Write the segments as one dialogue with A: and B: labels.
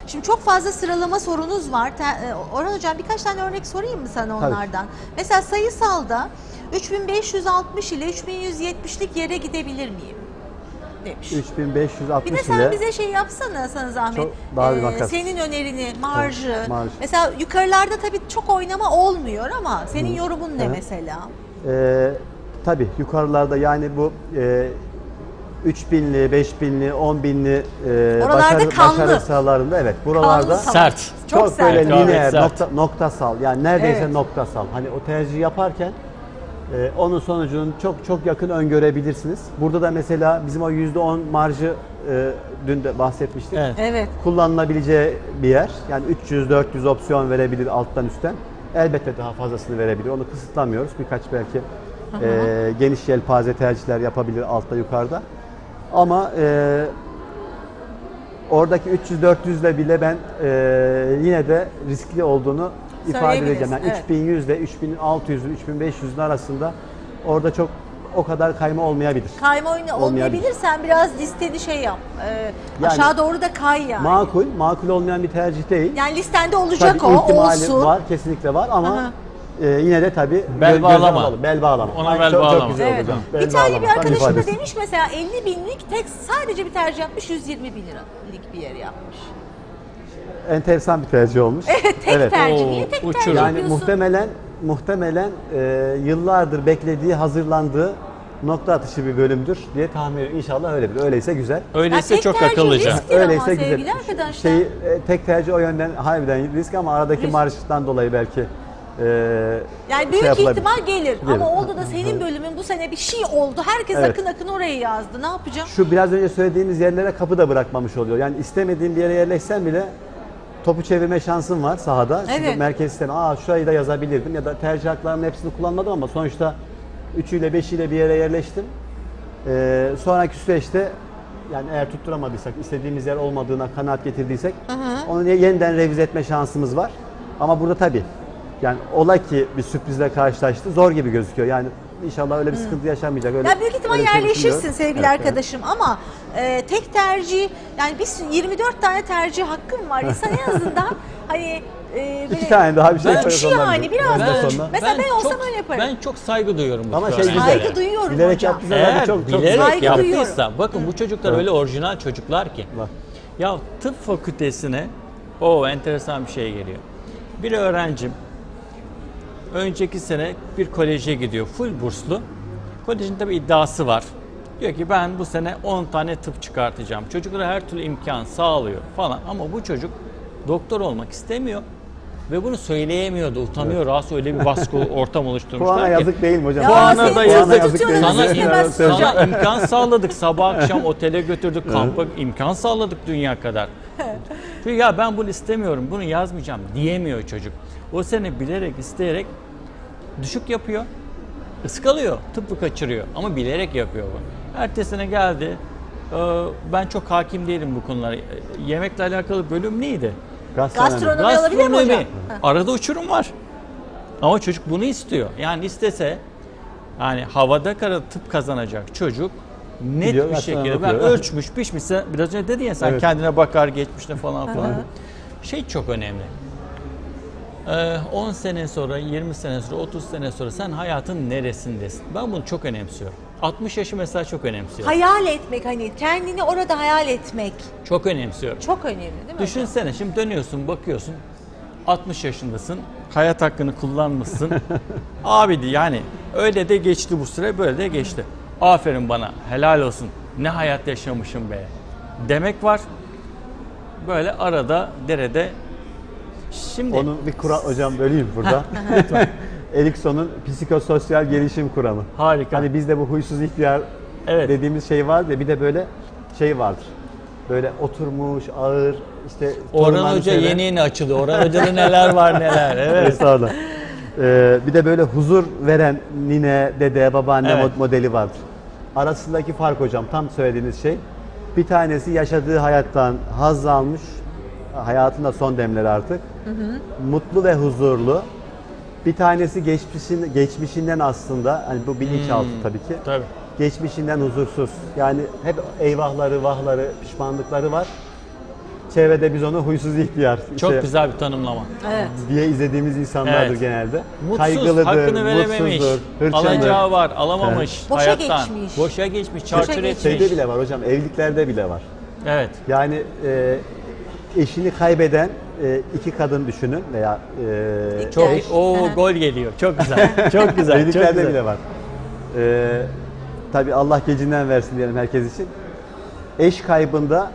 A: Şimdi çok fazla sıralama sorunuz var. Orhan Hocam birkaç tane örnek sorayım mı sana onlardan? Mesela sayısalda 3560 ile 3170'lik yere gidebilir miyim? Demiş.
B: 3560
A: Bir de sen bize şey yapsana, sana zahmet.
B: Çok daha bir makas.
A: Senin önerini, marjı.
B: Marj.
A: Mesela yukarılarda tabii çok oynama olmuyor ama senin yorumun ne mesela?
B: Tabii yukarılarda yani bu 3000'li, 5000'li, 10.000'li başarı sahalarında evet buralarda
A: Kanlı,
C: sert.
A: Çok
B: çok böyle
A: sert.
B: lineer,
C: Sert.
B: noktasal yani neredeyse
A: Evet.
B: noktasal. Hani o tercihi yaparken onun sonucunu çok yakın öngörebilirsiniz. Burada da mesela bizim o %10 marjı dün de bahsetmiştik.
C: Evet.
A: Evet.
B: Kullanılabileceği bir yer. Yani 300-400 opsiyon verebilir alttan üstten. Elbette daha fazlasını verebilir. Onu kısıtlamıyoruz. Birkaç belki geniş yelpaze tercihler yapabilir altta yukarıda. Ama oradaki 300-400 ile bile ben yine de riskli olduğunu ifade edeceğim. Yani
A: Evet.
B: 3100 ile 3600'ün 3500'ün arasında orada çok o kadar kayma olmayabilir.
A: Kayma oyunu olmayabilir. Sen biraz listeni şey yap.
B: Yani
A: aşağı doğru da kay yani.
B: Makul olmayan bir tercih değil.
A: Yani listende olacak
B: Tabii
A: o,
B: ihtimali
A: olsun.
B: var, kesinlikle var ama yine de tabii
C: Bel bağlama.
B: alalım. Bel bağlama.
C: Ona
B: Ay,
C: bel
B: çok
C: bağlama.
B: güzel
A: Evet.
B: olacak. Bel
A: İtalya bir
B: bağlama, tam
A: arkadaşım da
B: ifadesi.
A: demiş mesela 50 binlik sadece bir tercih yapmış, 120 bin liralık bir yer yapmış.
B: Enteresan bir tercih olmuş.
A: Tek tercih.
C: Oo,
A: Niye tek
C: uçurum.
A: tercih
B: Yani
A: yapıyorsun?
B: muhtemelen yıllardır beklediği, hazırlandığı nokta atışı bir bölümdür diye tahmin ediyorum. İnşallah öyledir. Öyleyse güzel.
C: Öyleyse
A: tek
C: çok
A: tercih
C: akıllıca.
A: riskli ama
B: Öyleyse güzel.
A: sevgili arkadaşlar.
B: Tek tercih o yönden harbiden risk ama aradaki
A: Risk.
B: marjdan dolayı belki
A: Yani büyük
B: yapılabilir.
A: ihtimal gelir.
B: Gelir.
A: Ama oldu da senin bölümün bu sene bir şey oldu. Herkes
B: Evet.
A: akın oraya yazdı. Ne yapacağım?
B: Şu biraz önce söylediğimiz yerlere kapı da bırakmamış oluyor. Yani istemediğin bir yere yerleşsen bile topu çevirme şansın var sahada. Çünkü
A: Evet.
B: merkez sistemi, şurayı da yazabilirdim ya da tercih haklarımın hepsini kullanmadım ama sonuçta 3'üyle 5'iyle bir yere yerleştim. Sonraki süreçte yani eğer tutturamadıysak, istediğimiz yer olmadığına kanaat getirdiysek onu yeniden revize etme şansımız var. Ama burada tabii yani ola ki bir sürprizle karşılaştı zor gibi gözüküyor. Yani inşallah öyle bir sıkıntı yaşanmayacak. Öyle,
A: Ya büyük ihtimal
B: öyle bir şey
A: yerleşirsin
B: düşünmüyorum.
A: sevgili
B: Evet,
A: arkadaşım ama tek tercih yani biz 24 tane tercih hakkım var. İnsan en azından hani böyle
B: İki tane daha bir şey
C: Ben-
B: yaparız
A: Şu
B: ondan
A: yani
B: sonra.
A: biraz
B: Ondan
A: da
B: sonra.
A: mesela ben olsam
C: çok,
A: öyle yaparım.
C: Ben çok saygı duyuyorum bu
B: Ama
C: tür
B: şey güzel.
C: örneklere.
A: Saygı duyuyorum
B: Bilerek
A: hocam.
B: yaptıysa
C: Eğer
B: çok
C: bilerek
A: saygı
C: yaptıysa, bakın bu çocuklar
B: Evet.
C: öyle orijinal çocuklar ki.
B: Bak.
C: Ya tıp fakültesine enteresan bir şey geliyor. Bir öğrencim önceki sene bir koleje gidiyor. Full burslu. Kolejin tabii iddiası var. Diyor ki ben bu sene 10 tane tıp çıkartacağım. Çocuklara her türlü imkan sağlıyor falan. Ama bu çocuk doktor olmak istemiyor. Ve bunu söyleyemiyordu. Utanıyor. Rahatsız, öyle bir baskı ortam oluşturmuşlar
B: Puana
C: ki.
B: yazık değil mi hocam?
A: Ya
C: Puana
A: senin
C: da
A: çok
C: yazık.
A: tutuyoruz,
C: Sana,
A: istemezsin hocam.
C: sana imkan sağladık. Sabah akşam otele götürdük. Kampa imkan sağladık dünya kadar. Çünkü ya ben bunu istemiyorum, bunu yazmayacağım diyemiyor çocuk. O sene bilerek, isteyerek düşük yapıyor. Iskalıyor, tıbbı kaçırıyor ama bilerek yapıyor bu. Ertesine geldi. Ben çok hakim değilim bu konulara. Yemekle alakalı bölüm neydi?
A: Gastronomi alabilir mi hocam?
C: Arada uçurum var. Ama çocuk bunu istiyor. Yani istese yani havada kara tıp kazanacak çocuk net
B: Gidiyor,
C: bir şekilde ben
B: okuyor.
C: ölçmüş pişmişse biraz önce dedin ya sen
B: Evet.
C: kendine bakar geçmişte falan filan. Şey çok önemli. 10 sene sonra, 20 sene sonra, 30 sene sonra sen hayatın neresindesin? Ben bunu çok önemsiyorum. 60 yaşı mesela çok önemsiyorum.
A: Hayal etmek, hani kendini orada hayal etmek
C: Çok önemsiyorum.
A: çok önemli değil mi hocam?
C: Düşünsene şimdi dönüyorsun bakıyorsun 60 yaşındasın, hayat hakkını kullanmışsın. Abi yani öyle de geçti bu süre, böyle de geçti. Aferin bana, helal olsun, ne hayat yaşamışım be demek var. Böyle arada derede. Şimdi
B: Onun bir kural hocam böleyim burada. Erikson'un psikososyal gelişim kuramı.
C: harika.
B: Hani bizde bu huysuz ihtiyar
C: Evet.
B: dediğimiz şey var ya bir de böyle şey vardır. Böyle oturmuş, ağır, işte
C: Orhan
B: torunlarını
C: Hoca
B: seven-
C: yeni açıldı. Orhan Hoca'da neler var neler. Evet.
B: Estağfurullah. Bir de böyle huzur veren nine, dede, babaanne
C: Evet.
B: modeli vardır. Arasındaki fark hocam tam söylediğiniz şey. Bir tanesi yaşadığı hayattan haz almış, hayatında son demleri artık. Mutlu ve huzurlu. Bir tanesi geçmişinden aslında, hani bu bilinçaltı tabii ki.
C: Tabii.
B: Geçmişinden huzursuz. Yani hep eyvahları, vahları, pişmanlıkları var. çevrede biz onu huysuz ihtiyar
C: Çok
B: işte
C: güzel bir tanımlama.
A: Evet.
B: diye izlediğimiz insanlardır
C: Evet.
B: genelde.
C: Mutsuz,
B: Kaygılıdır,
C: hakkını verememiş,
B: mutsuzdur, hırçındır.
C: alacağı var, alamamış
A: Boşa
C: hayattan.
A: geçmiş.
C: Boşa geçmiş, çarçur
A: geçmiş.
C: etmiş.
B: Şeyde bile var hocam, evliliklerde bile var.
C: Evet.
B: Yani eşini kaybeden iki kadın düşünün veya
C: Çok
A: Gel. Aha.
C: gol geliyor. Çok güzel. Çok güzel. Çok
B: evliliklerde
C: güzel.
B: bile var. Tabii Allah gecinden versin diyelim herkes için. Eş kaybında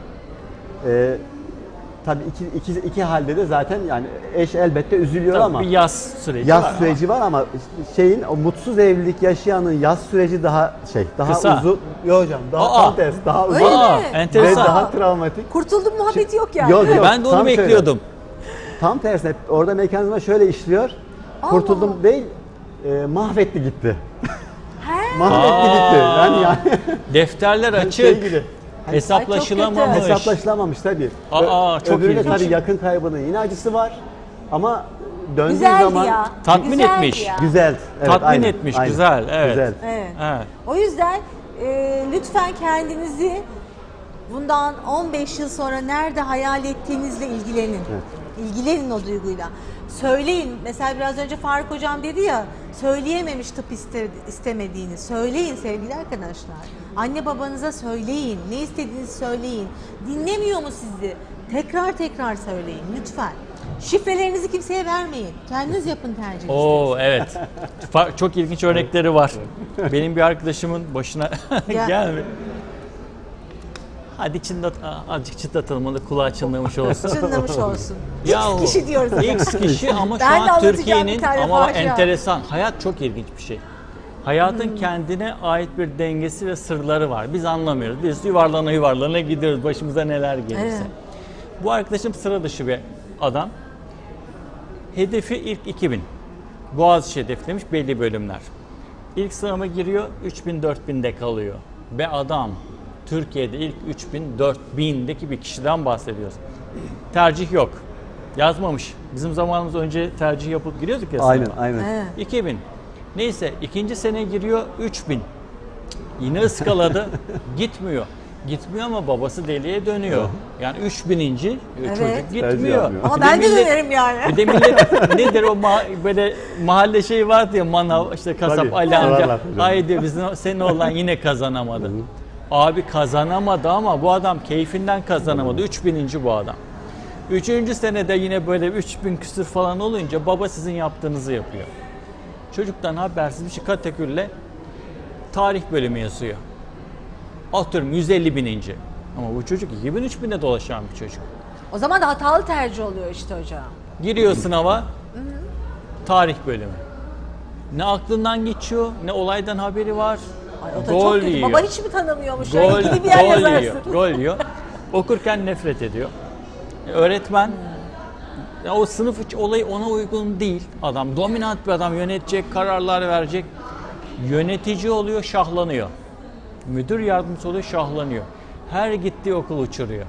B: tabii iki halde de zaten yani eş elbette üzülüyor
C: Tabii
B: ama
C: bir yaz süreci
B: yaz
C: var
B: süreci var ama şeyin o mutsuz evlilik yaşayanın yaz süreci daha daha
C: Kısa.
B: uzun. Yok hocam daha
C: Aa.
B: tam tersi daha uzun
A: Öyle
C: Aa,
A: mi?
B: ve
C: enteresan.
B: daha travmatik.
A: Kurtuldum muhabbeti yok yani.
B: Yok, yok.
C: Ben de onu
B: Tam şöyle.
C: bekliyordum.
B: Tam tersine orada mekanizma şöyle işliyor. Kurtuldum değil, mahvetti gitti. Mahvetti gitti. Yani
C: Defterler açık.
B: şey gibi.
C: Hesaplaşılamamış.
B: Hesaplaşılamamış tabii.
C: Aa, çok
B: Öbüründe
C: ilginç.
B: tabii yakın kaybının yine acısı var. Ama döndüğü
A: Güzeldi
B: zaman
A: ya.
C: Tatmin
A: Güzeldi
C: etmiş.
A: ya.
B: güzel. Evet,
C: Tatmin
B: aynen,
C: etmiş,
B: aynen.
C: güzel, evet.
B: Güzel.
A: Evet.
C: Evet.
A: O yüzden lütfen kendinizi bundan 15 yıl sonra nerede hayal ettiğinizle ilgilenin. İlgilenin o duyguyla. Söyleyin. Mesela biraz önce Faruk Hocam dedi ya, söyleyememiş tıp istemediğini. Söyleyin sevgili arkadaşlar. Anne babanıza söyleyin. Ne istediğinizi söyleyin. Dinlemiyor mu sizi? Tekrar tekrar söyleyin lütfen. Şifrelerinizi kimseye vermeyin. Kendiniz yapın tercihinizi.
C: Oo evet. Çok ilginç örnekleri var. Benim bir arkadaşımın başına
A: Ya.
C: gelmedi. Hadi azıcık çıtlatalım onu, kulağı çınlamış olsun.
A: Çınlamış olsun.
C: Yahu,
A: X kişi diyoruz.
C: X kişi ama şu
A: Ben de
C: an
A: anlatacağım
C: Türkiye'nin
A: bir tane
C: ama
A: facia.
C: enteresan. Hayat çok ilginç bir şey. Hayatın kendine ait bir dengesi ve sırları var. Biz anlamıyoruz. Biz yuvarlana yuvarlana gidiyoruz. Başımıza neler gelirse.
A: Evet.
C: Bu arkadaşım sıra dışı bir adam. Hedefi ilk 2000. Boğaziçi hedeflemiş belli bölümler. İlk sınava giriyor, 3000-4000'de kalıyor. Ve adam Türkiye'de ilk 3000-4000'deki bir kişiden bahsediyoruz. Tercih yok. Yazmamış. Bizim zamanımız önce tercih yapıp giriyorduk ya sınava.
B: Aynen, aynen.
A: Evet.
C: 2000. Neyse ikinci sene giriyor 3000. Yine ıskaladı. Gitmiyor. Gitmiyor ama babası deliye dönüyor. Yani 3000. çocuk
B: Tercih
C: gitmiyor.
B: yapmıyor.
A: Ama
C: Bir de
A: ben de
C: millet-
A: dönerim yani.
C: Bir de millet nedir o böyle mahalle şeyi vardı ya, manav işte kasap
B: Tabii,
C: Ali amca.
B: sorarlar hocam.
C: Haydi bizim senin oğlan yine kazanamadı. Abi kazanamadı ama bu adam keyfinden kazanamadı. 3000. bu adam. 3. senede yine böyle 3000 küsür falan olunca baba sizin yaptığınızı yapıyor. Çocuktan habersiz bir şey kategoriyle tarih bölümü yazıyor. Atıyorum 150.000. Ama bu çocuk 2000-3000'de dolaşan bir çocuk.
A: O zaman da hatalı tercih oluyor işte hocam.
C: Giriyor sınava, tarih bölümü. Ne aklından geçiyor, ne olaydan haberi var.
A: Ay, o da
C: Gol
A: çok kötü.
C: yiyor.
A: Baba hiç mi tanımıyormuş?
C: Gol,
A: Yani gibi bir yer
C: gol
A: yazarsın.
C: yiyor, gol yiyor. Okurken nefret ediyor. Öğretmen, ya o sınıf olayı ona uygun değil. Adam dominant bir adam, yönetecek, kararlar verecek. Yönetici oluyor, şahlanıyor. Müdür yardımcısı oluyor, şahlanıyor. Her gittiği okul uçuruyor.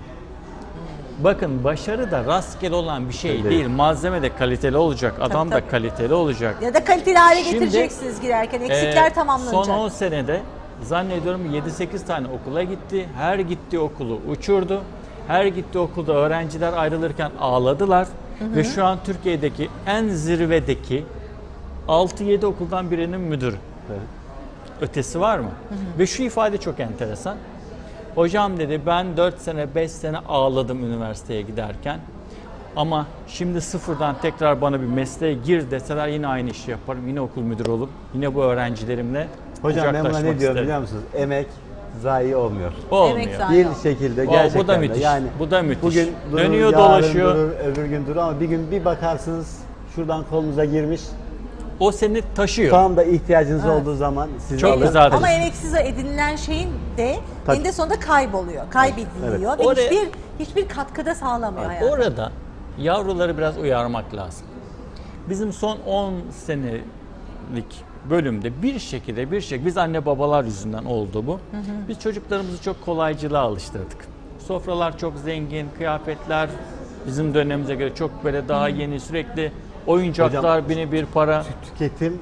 C: Bakın başarı da rastgele olan bir şey
B: Öyle.
C: değil. Malzeme de kaliteli olacak, adam da
A: tabii.
C: kaliteli olacak.
A: Ya da kaliteli hale
C: Şimdi,
A: getireceksiniz girerken. Eksikler tamamlanacak.
C: Son 10 senede zannediyorum 7-8 tane okula gitti. Her gittiği okulu uçurdu. Her gittiği okulda öğrenciler ayrılırken ağladılar. Ve şu an Türkiye'deki en zirvedeki 6-7 okuldan birinin müdürü.
B: Evet.
C: Ötesi var mı? Ve şu ifade çok enteresan. Hocam dedi ben 4 sene 5 sene ağladım üniversiteye giderken. Ama şimdi sıfırdan tekrar bana bir mesleğe gir deseler yine aynı işi yaparım. Yine okul müdürü olup yine bu öğrencilerimle
B: Hocam ben buna
C: kucaklaşmak
B: ne diyorum
C: isterim.
B: biliyor musunuz? Emek zayi olmuyor.
C: Olmuyor.
A: Emek zayi.
B: Bir
A: Aynen.
B: şekilde
C: O,
B: gerçekten
C: bu da
B: de.
C: müthiş.
B: Yani
C: Bu da müthiş.
B: bugün durur,
C: Dönüyor,
B: yarın
C: dolaşıyor.
B: durur, öbür gün durur ama bir gün bir bakarsınız şuradan kolunuza girmiş.
C: O seni taşıyor.
B: Tam da ihtiyacınız olduğu zaman sizi
C: Çok
B: alır.
C: güzel.
A: Ama emeksiz edinilen şeyin de
B: Tabii.
A: eninde sonunda kayboluyor. Kaybediliyor ve
C: Oraya-
A: hiçbir katkıda sağlamıyor hayata.
C: Orada yavruları biraz uyarmak lazım. Bizim son 10 senelik bölümde bir şekilde biz anne babalar yüzünden oldu bu. Biz çocuklarımızı çok kolaycılığa alıştırdık. Sofralar çok zengin, kıyafetler bizim dönemimize göre çok böyle daha yeni, sürekli oyuncaklar,
B: Hocam,
C: bir para.
B: Tüketim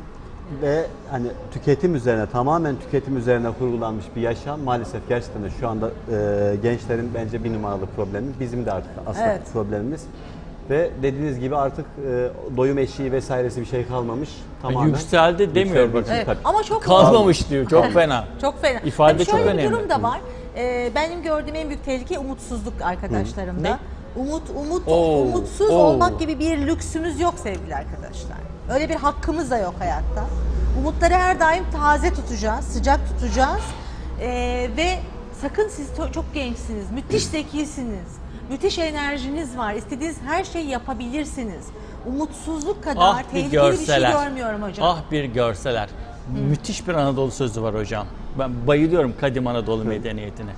B: ve hani tüketim üzerine, tamamen tüketim üzerine kurgulanmış bir yaşam maalesef gerçekten de şu anda gençlerin bence bir numaralı problemi. Bizim de artık aslında
A: Evet.
B: problemimiz. Ve dediğiniz gibi artık doyum eşiği vesairesi bir şey kalmamış. Tamamen
C: Yükseldi demiyor
B: yükseldiği
C: bakın.
B: için
A: Evet.
B: tabii.
A: Ama çok
C: Kalmamış diyor. Çok fena.
A: Çok fena.
C: İfade
A: Tabii
C: çok
A: şöyle
C: önemli.
A: bir durum da var. Benim gördüğüm en büyük tehlike umutsuzluk arkadaşlarımda.
C: Ne?
A: Umutsuz
C: Oo.
A: olmak gibi bir lüksümüz yok sevgili arkadaşlar. Öyle bir hakkımız da yok hayatta. Umutları her daim taze tutacağız, sıcak tutacağız. Ve sakın siz çok gençsiniz, müthiş zekisiniz, müthiş enerjiniz var, istediğiniz her şeyi yapabilirsiniz. Umutsuzluk kadar
C: Ah bir
A: tehlikeli bir şey
C: görseler.
A: görmüyorum hocam.
C: Ah bir görseler. Müthiş bir Anadolu sözü var hocam. Ben bayılıyorum kadim Anadolu medeniyetine.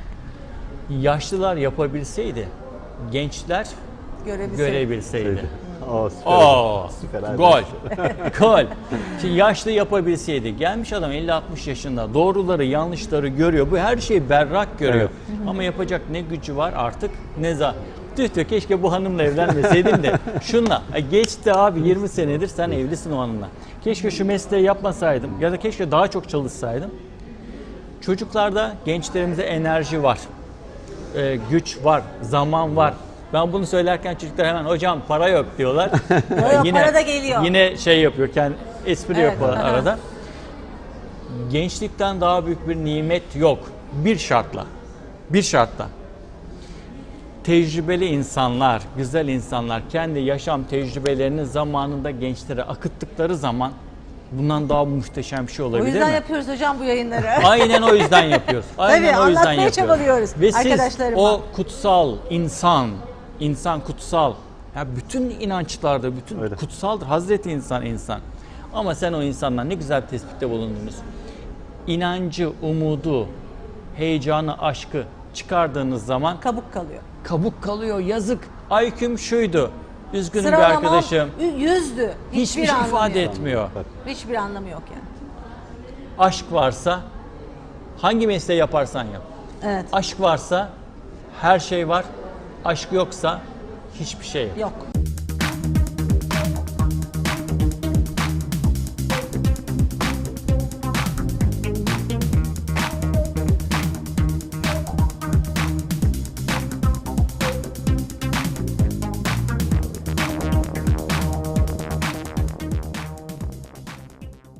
C: Yaşlılar yapabilseydi, gençler görebilseydi.
B: O süper.
C: Oo,
B: Süper abi.
C: gol. Gol. Şimdi yaşlı yapabilseydi, gelmiş adam 50-60 yaşında, doğruları yanlışları görüyor. Bu her şeyi berrak görüyor. Ama yapacak ne gücü var artık ne tüh keşke bu hanımla evlenmeseydim de şunla. Geçti abi 20 senedir sen evlisin o hanımla. Keşke şu mesleği yapmasaydım ya da keşke daha çok çalışsaydım. Çocuklarda, gençlerimize enerji var. Güç var, zaman var. Ben bunu söylerken çocuklar hemen hocam para yok diyorlar.
A: Yok, para da geliyor.
C: Yine şey yapıyor, espri
A: Evet,
C: yapıyor
A: aha.
C: arada. Gençlikten daha büyük bir nimet yok. Bir şartla. Bir şartla. Tecrübeli insanlar, güzel insanlar kendi yaşam tecrübelerini zamanında gençlere akıttıkları zaman bundan daha muhteşem bir şey
A: O
C: olabilir
A: yüzden
C: mi?
A: yapıyoruz hocam bu yayınları.
C: Aynen o yüzden yapıyoruz. Aynen
A: Tabii,
C: o yüzden
A: anlatmaya
C: yapıyoruz.
A: çabalıyoruz
C: Ve siz
A: arkadaşlarıma.
C: o kutsal insan kutsal. Ya bütün inançlarda bütün
B: Öyle.
C: kutsaldır. Hazreti insan. Ama sen o insandan ne güzel bir tespitte bulundunuz. İnancı, umudu, heyecanı, aşkı çıkardığınız zaman
A: Kabuk kalıyor.
C: kabuk kalıyor. Yazık. IQ'm şuydu. Üzgünüm bir
A: Sıralamam
C: arkadaşım.
A: 100'dü.
C: Hiçbir şey
A: anlamı
C: ifade
A: yok.
C: etmiyor.
A: Hiçbir anlamı yok yani.
C: Aşk varsa hangi mesleği yaparsan yap.
A: Evet.
C: Aşk varsa her şey var. Aşk yoksa hiçbir şey yok.
A: Yok.